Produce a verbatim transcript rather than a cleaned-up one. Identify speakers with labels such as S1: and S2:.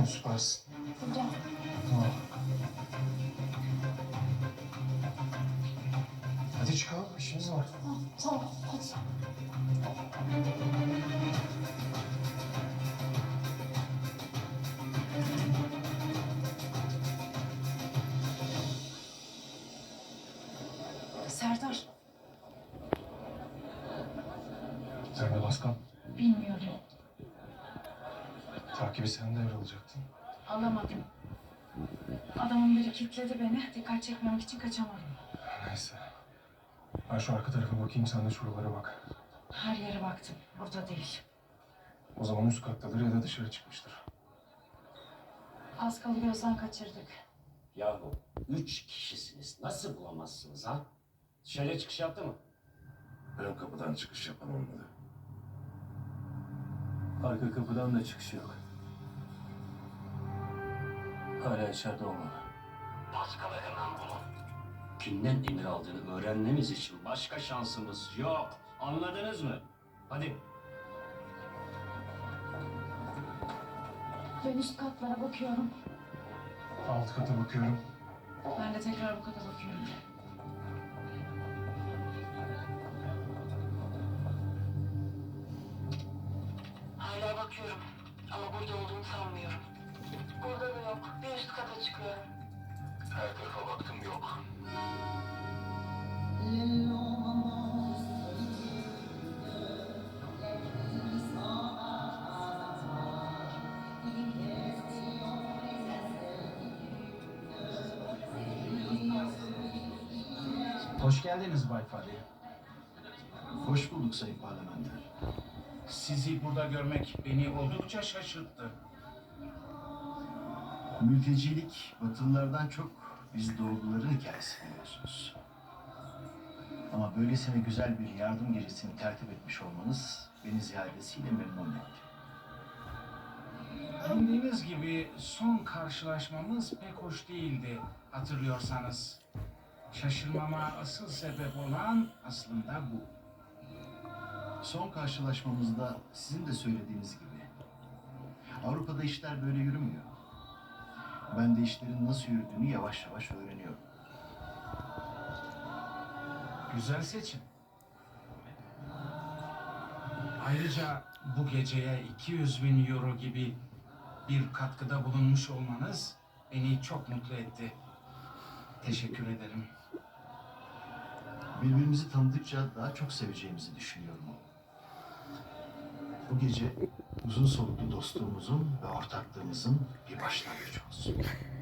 S1: süpersin.
S2: Burada.
S1: Tamam. Hadi çıkalım, işimiz var.
S2: Ha, tamam, hadi. Serdar,
S1: Sen de Baskan.
S2: bilmiyorum.
S1: Takibi sen devralacaktın.
S2: Alamadım. Adamın biri kilitledi beni. Dikkat çekmemek için kaçamadım.
S1: Neyse. Ben şu arka tarafa bakayım, sen de şuralara bak.
S2: Her yere baktım. Burada değil.
S1: O zaman üst kattadır ya da dışarı çıkmıştır.
S2: Az kalı gözden kaçırdık.
S3: Yahu üç kişisiniz. Nasıl bulamazsınız ha? Dışarıya çıkış yaptı mı?
S4: Ön kapıdan çıkış yapan olmadı.
S5: Arka kapıdan da çıkış yok. Hala içeride olmalı.
S3: Paskal'ı hemen bulun. Kimden emir aldığını öğrenmemiz için başka şansımız yok. Anladınız mı? Hadi.
S2: Ben üst katlara bakıyorum.
S1: Alt kata bakıyorum.
S2: Ben de tekrar bu kata bakıyorum.
S6: Hala bakıyorum ama burada olduğunu sanmıyorum. Burada da yok. Bir üst kata çıkıyorum.
S4: Her tarafa baktım, yok.
S7: Hoş geldiniz Bay Fadi.
S8: Hoş bulduk Sayın Parlamenter.
S7: Sizi burada görmek beni oldukça şaşırttı.
S8: Mültecilik Batılılardan çok biz doğruların hikayesi biliyorsunuz. Ama böylesine güzel bir yardım gerisini tertip etmiş olmanız beni ziyadesiyle memnun etti.
S7: Bildiğiniz gibi son karşılaşmamız pek hoş değildi, hatırlıyorsanız. Şaşırmama asıl sebep olan aslında bu.
S8: Son karşılaşmamızda sizin de söylediğiniz gibi Avrupa'da işler böyle yürümüyor. Ben de işlerin nasıl yürüdüğünü yavaş yavaş öğreniyorum.
S7: Güzel seçim. Ayrıca bu geceye iki yüz bin euro gibi bir katkıda bulunmuş olmanız beni çok mutlu etti. Teşekkür ederim.
S8: Birbirimizi tanıdıkça daha çok seveceğimizi düşünüyorum. Bu gece uzun soluklu dostluğumuzun ve ortaklığımızın bir başlangıcı olsun.